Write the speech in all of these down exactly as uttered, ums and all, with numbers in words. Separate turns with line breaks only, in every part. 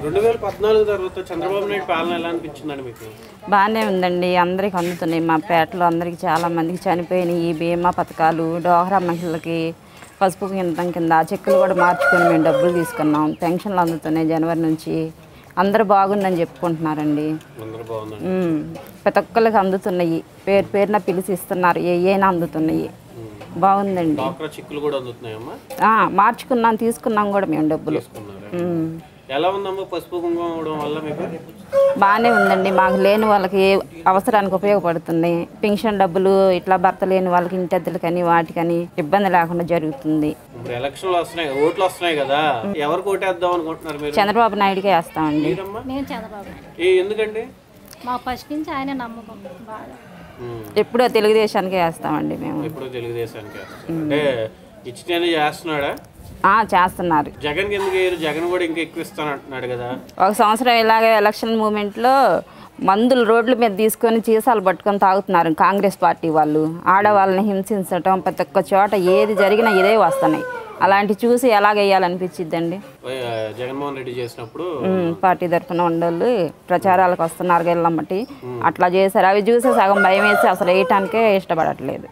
రెండు వేల పద్నాలుగు తర్వాత చంద్రబాబు నాయుడు పాలన ఎలా అనిపించిందండి మీకు?
బాగానే ఉందండి. అందరికి అందుతున్నాయి. మా పేటలో అందరికి చాలా మందికి చనిపోయినాయి. ఈ బీమా పథకాలు, డోహరా మహిళలకి పసుపు కింద కింద చెక్కులు కూడా మార్చుకొని మేము డబ్బులు తీసుకున్నాం. పెన్షన్లు అందుతున్నాయి జనవరి నుంచి. అందరూ బాగుందని చెప్పుకుంటున్నారండి. ప్రతి ఒక్కరికి అందుతున్నాయి. పేరు పేరున పిలిచి ఇస్తున్నారు. ఏమైనా అందుతున్నాయి. బాగుందండి. మార్చుకున్నాం, తీసుకున్నాం కూడా మేము డబ్బులు.
ఎలా ఉందమ్మా పసుపు కుంకుమ అవడం వల్ల మీకు?
బాగానే ఉందండి. మాకు లేని వాళ్ళకి అవసరానికి ఉపయోగపడుతుంది. పెన్షన్ డబ్బులు ఇట్లా భర్త లేని వాళ్ళకి ఇంటెద్దలకని వాటికని ఇబ్బంది లేకుండా జరుగుతుంది.
ఇప్పుడు ఎలక్షన్లు వస్తున్నాయి, ఓట్లు వస్తున్నాయి కదా, ఎవరికి ఓటేద్దాం అనుకుంటున్నారు మీరు?
చంద్రబాబు నాయుడుకే వేస్తామండి.
నేను చంద్రబాబు.
ఎందుకండి?
మా ఫస్ట్ నుంచి ఆయన నమ్మకం బాగా.
ఎప్పుడో తెలుగుదేశానికే వేస్తామండి మేము.
ఎప్పుడో తెలుగుదేశానికి అంటే ఇచ్చినే చేస్తున్నాడా?
చేస్తున్నారు.
జగన్ ఎందుకు జగన్ కూడా ఇంకా ఎక్కువ ఇస్తాను అంటున్నాడు కదా.
ఒక సంవత్సరం ఇలాగే ఎలక్షన్ మూమెంట్లో మందులు రోడ్ల మీద తీసుకొని చీసాలు పట్టుకొని తాగుతున్నారు కాంగ్రెస్ పార్టీ వాళ్ళు. ఆడవాళ్ళని హింసించటం ప్రతి ఒక్క చోట ఏది జరిగినా ఇదే వస్తున్నాయి. అలాంటి చూసి ఎలాగేయాలనిపించిద్దండి.
జగన్మోహన్ రెడ్డి చేసినప్పుడు
పార్టీ తరఫున ఉండోళ్ళు ప్రచారాలకు వస్తున్నారు గెల్లమ్మటి అట్లా చేశారు. అవి చూసి సగం భయం వేసి అసలు వేయటానికే ఇష్టపడట్లేదు.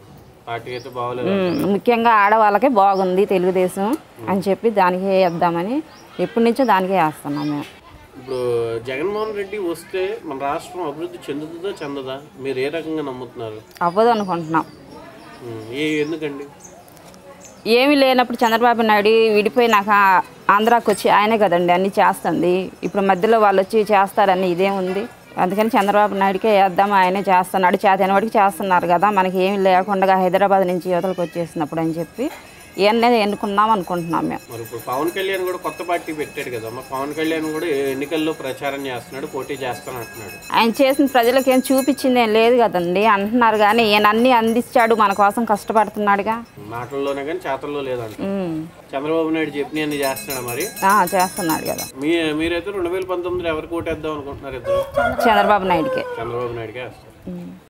ముఖ్యంగా ఆడవాళ్ళకే బాగుంది తెలుగుదేశం అని చెప్పి దానికే వేద్దామని ఎప్పటి నుంచో దానికే వేస్తున్నాం మేము.
ఇప్పుడు జగన్మోహన్ రెడ్డి వస్తే మన రాష్ట్రం అభివృద్ధి చెందుతుందో చెందదా మీరు ఏ రకంగా నమ్ముతున్నారు?
అవ్వదు అనుకుంటున్నాం.
ఎందుకండి?
ఏమీ లేనప్పుడు చంద్రబాబు నాయుడు విడిపోయినాక ఆంధ్రాకి వచ్చి ఆయనే కదండి అన్నీ చేస్తుంది. ఇప్పుడు మధ్యలో వాళ్ళు వచ్చి చేస్తారని ఇదేముంది. అందుకని చంద్రబాబు నాయుడుకే వేద్దాం, ఆయనే చేస్తున్నాడు. చేతైన వాడికి చేస్తున్నారు కదా, మనకి ఏమి లేకుండా హైదరాబాద్ నుంచి యువతలకు వచ్చేసినప్పుడు అని చెప్పి ఇవన్నీ ఎన్నుకున్నాం అనుకుంటున్నాం మేము.
మరి ఇప్పుడు పవన్ కళ్యాణ్ కూడా కొత్త పార్టీ పెట్టాడు కదా, మరి పవన్ కళ్యాణ్ కూడా ఎన్నికల్లో ప్రచారం చేస్తున్నాడు, పోటీ చేస్తాను అంటున్నాడు.
ఆయన చేసిన ప్రజలకు ఏం చూపించింది ఏం లేదు కదండి అంటున్నారు. కానీ ఈయన అన్ని అందించాడు, మన కోసం కష్టపడుతున్నాడుగా.
మాటల్లోనే కానీ చేతల్లో లేదంట. చంద్రబాబు నాయుడు చెప్పిన అన్ని చేస్తున్నాడు మరి.
చేస్తున్నాడు కదా.
మీ మీరైతే రెండు వేల పంతొమ్మిదిలో ఎవరికి ఓటేద్దాం అనుకుంటున్నారు? ఇద్దరు
చంద్రబాబు నాయుడుకే.
చంద్రబాబు నాయుడుకే వేస్తారు.